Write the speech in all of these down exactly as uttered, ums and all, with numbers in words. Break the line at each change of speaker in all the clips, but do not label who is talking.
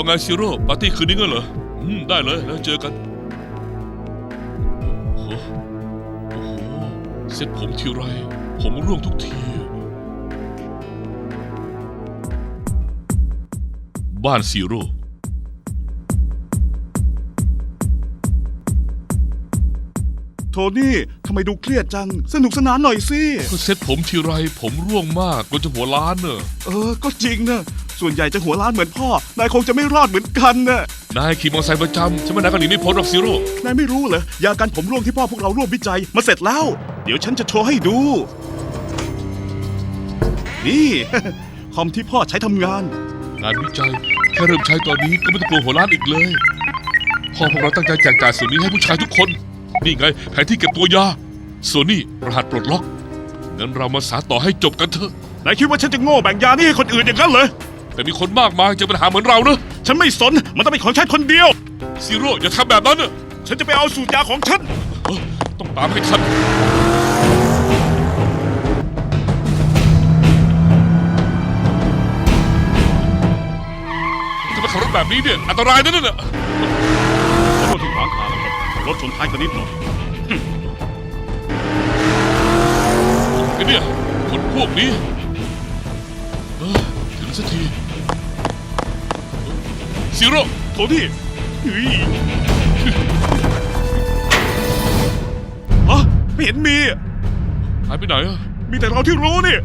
ไงซีโร่ปาร์ตี้คืนนี้งั้นเหรออืมได้เลยแล้วเจอกันโอ้โหโอ้โหเซ็ตผมทีไรผมร่วงทุกทีบ้านซีโร่
โทนี่ทำไมดูเครียดจังสนุกสนานหน่อยสิ
ก็เซ็ตผมทีไรผมร่วงมากก็จะหัวล้านเนอะ
เออก็จริงนะส่วนใหญ่จะหัวล้านเหมือนพ่อนายคงจะไม่รอดเหมือนกันนะ
นายขี่มอเตอร์ไซค์ประจำฉันว่านายก็หนีไม่พ้นหรอกซีโร่
นายไม่รู้เหรอยากันผมร่วงที่พ่อพวกเราร่วมวิจัยมาเสร็จแล้ว เดี๋ยวฉันจะโชว์ให้ดู นี่ คอมที่พ่อใช้ทำงาน
งานวิจัยแค่เริ่มใช้ตอนนี้ก็ไม่ต้องกลัวหัวล้านอีกเลยพ่อพวกเราตั้งใจแจกจ่ายส่วนนี้ให้ผู้ชายทุกคนนี่ไงแผนที่เก็บตัวยาส่วนนี้รหัสปลดล็อกงั้นเรามาสานต่อให้จบกันเถอะ
นายคิดว่าฉันจะโง่แบ่งยานี่ให้คนอื่นอย่างนั้นเลย
แต่มีคนมากมายเจอปัญหาเหมือนเรานะ
ฉันไม่สนมันต้องเป็นของฉันคนเดียว
ซีโร่อย่าทำแบบนั้นนะ
ฉันจะไปเอาสูตรยาของฉัน
เอ้อต้องตามให้ทันจะมาขับรถแบบนี้เนี่ยอันตรายนะนั่นน่ะ
ขอโทษที่ขวางทางนะครับรถชนท้ายกันนิดหน่อย
ไอ้เนี่ยคนพวกนี้เอ้อถึงสักทีซีโร่
โทนี่เฮ้ยฮะไม่เห็นมี
หายไปไหนอะ
มีแต่เราที่รู้นี่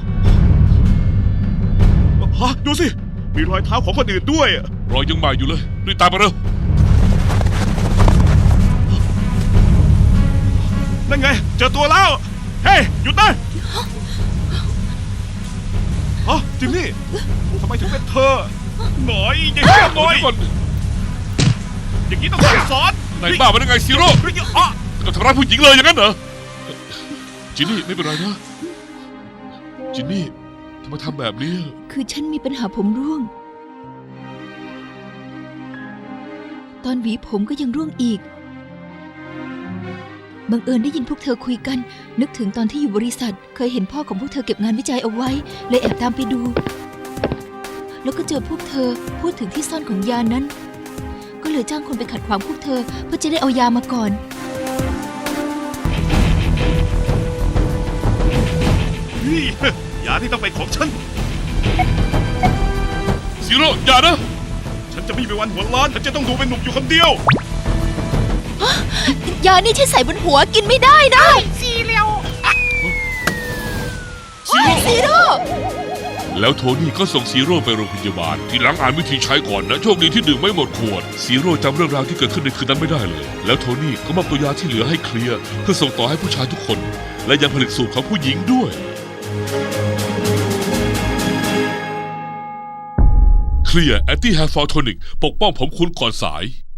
ฮะดูสิ มีรอยเท้าของคนอื่นด้วย
รอยยังใหม่อยู่เลยรีบตามมาเร็ว
นั่นไง เจอตัวแล้ว เฮ้ย หยุดนะฮะจิมมี่ทำไมถึงเป็นเธอ หน่อยอย่างนี้หน่อย
เดี๋ยวก่อน
อย่างนี้ต้องสั่งสอน
ไหนบ้ามันยังไงซีโร่
เฮ้ยอ่ะ
จะทำร้ายผู้หญิงเลยอย่างนั้นเหรอจินนี่ไม่เป็นไรนะจินนี่ทำไมทำแบบนี้
คือฉันมีปัญหาผมร่วง ตอนหวีผมก็ยังร่วงอีก บังเอิญได้ยินพวกเธอคุยกัน นึกถึงตอนที่อยู่บริษัท เคยเห็นพ่อของพวกเธอเก็บงานวิจัยเอาไว้ เลยแอบตามไปดู แล้วก็เจอพวกเธอพูดถึงที่ซ่อนของยานั้น ก็เลยจ้างคนไปขัดขวางพวกเธอเพื่อจะได้เอายามาก่อน
นี่ยาที่ต้องเป็นของฉัน
ซีโร่อย่านะ
ฉันจะไม่มีวันหัวล้านฉันจะต้องดูเป็นหนุ่มอยู่คนเดียว
ยานี่ฉันใส่บนหัวกินไม่ได้นะ
ซีโร่
ซีโร่
แล้วโทนี่ก็ส่งซีโร่ไปโรงพยาบาลทีหลังอ่านวิธีใช้ก่อนนะโชคดีที่ดื่มไม่หมดขวดซีโร่จำเรื่องราวที่เกิดขึ้นในคืนนั้นไม่ได้เลย แล้วโทนี่ก็มอบตัวยาที่เหลือให้เคลียร์เพื่อส่งต่อให้ผู้ชายทุกคน และยังผลิตสูตรของผู้หญิงด้วยเคลียร์แอนตี้แฮร์ฟอลโทนิกปกป้องผมคุณก่อนสาย